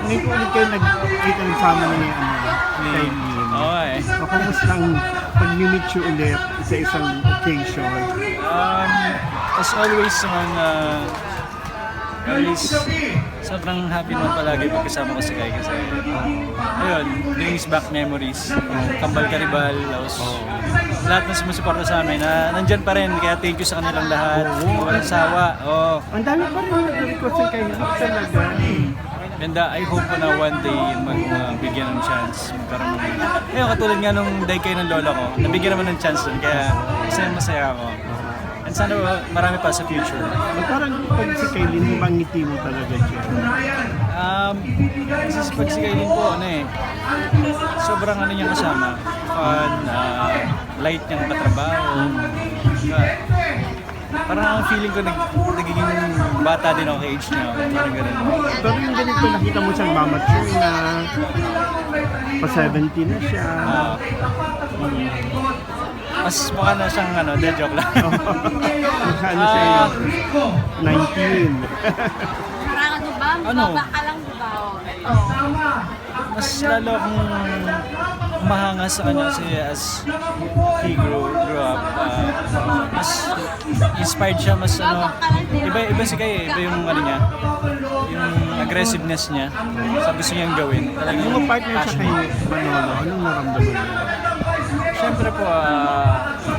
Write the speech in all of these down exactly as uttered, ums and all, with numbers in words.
ngayon ko ulit kayo nagkita nagsama ni ano, kay Lynn. Oo eh. So, kumusta ang pag-meet you ulit sa isang occasion? Um, as always naman, uh, always, sobrang happy naman palagi pagkasama ko si Kai kasi, ayun, brings back memories. Kambal Karibal, tapos lahat na sumusuporta sa amin, na nandyan pa rin, kaya thank you sa kanilang lahat. Walang sawa. Oh. Ang dami pa rin nag-request kay Lynn talaga. And uh, I hope po na one day magbigyan ng chance. Magkaroon ng... Ayun, katulad nga nung day kayo ng lola ko, nabigyan naman ng chance dun, kaya masaya masaya ako. And sana marami pa sa future. But parang pag si Kaylin, di ba ngiti mo talaga siya? Um, kasi sa pag si Kaylin po, ano eh, sobrang ano niya kasama. Fun, uh, light niyang katrabaho. Uh, parang ang feeling ko nag, nagiging bata din ako kay age niya. Parang ganun. Pero yung ganito, nakita mo siyang mamature na pa seventy na siya. Uh, hmm. Mas mukha na siyang ano, de joke lang. Mukha na siya yung nineteen. Parang ano ba? Ano? Baba ka lang ba? Oo. Mas lalo akong mahanga sa kanya kasi as he grew, grew up, uh, mas inspired siya, mas ano, iba, iba si Kai, iba yung ano niya, yung aggressiveness niya, sa gusto niyang gawin. Talagang Nung partner siya passion. kay Manolo, anong naramdaman mo? Siyempre po, ah,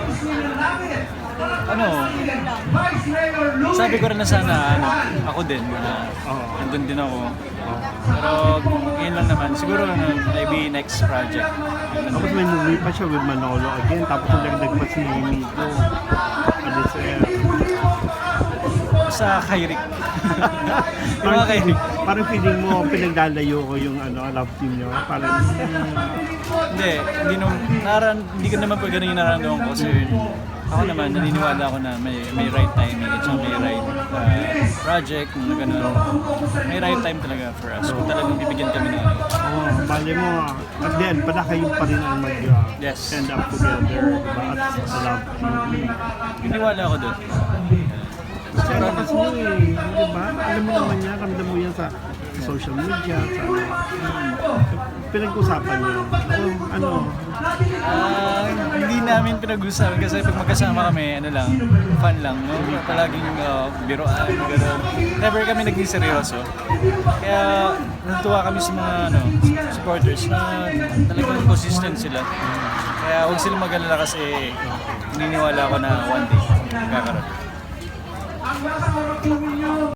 ano, sabi ko rin na sana, ano, ako din, uh, Oo. nandun din ako. Pero yun lang naman, siguro ano, maybe next project. Tapos may movie pa siya with Manolo again, tapos nagdagdag pa si Mimito. Ano siya? Sa Kairik. Yung mga Parang Kairik. feeling, parang feeling mo pinagdalayo ko yung ano, love team niyo. Parang Hindi, hindi, nung, naran, hindi ko naman pa ganun yung nararamdaman ko kasi ako naman, naniniwala ako na may may right timing at saka may right uh, project, mga ganun. May right time talaga for us. Kung talagang bibigyan kami ng ano. oh, bali mo, at the end, pala kayo pa rin ang mag uh, Yes. stand up together, diba? At sa love team. Naniniwala ako doon. Kasi ano kasi mo eh, di ba? Alam mo naman niya, ramdam mo yan sa, sa social media, sa ano. Pinag-usapan niya. Oh, ano, Ah, hindi namin pinag-usapan kasi pag magkasama kami, ano lang, fun lang, no? Palaging uh, biroan, gano'n. Never kami naging seryoso. Kaya natuwa kami sa mga ano, supporters na talagang consistent sila. Kaya huwag silang mag-alala kasi naniniwala ako na one day magkakaroon.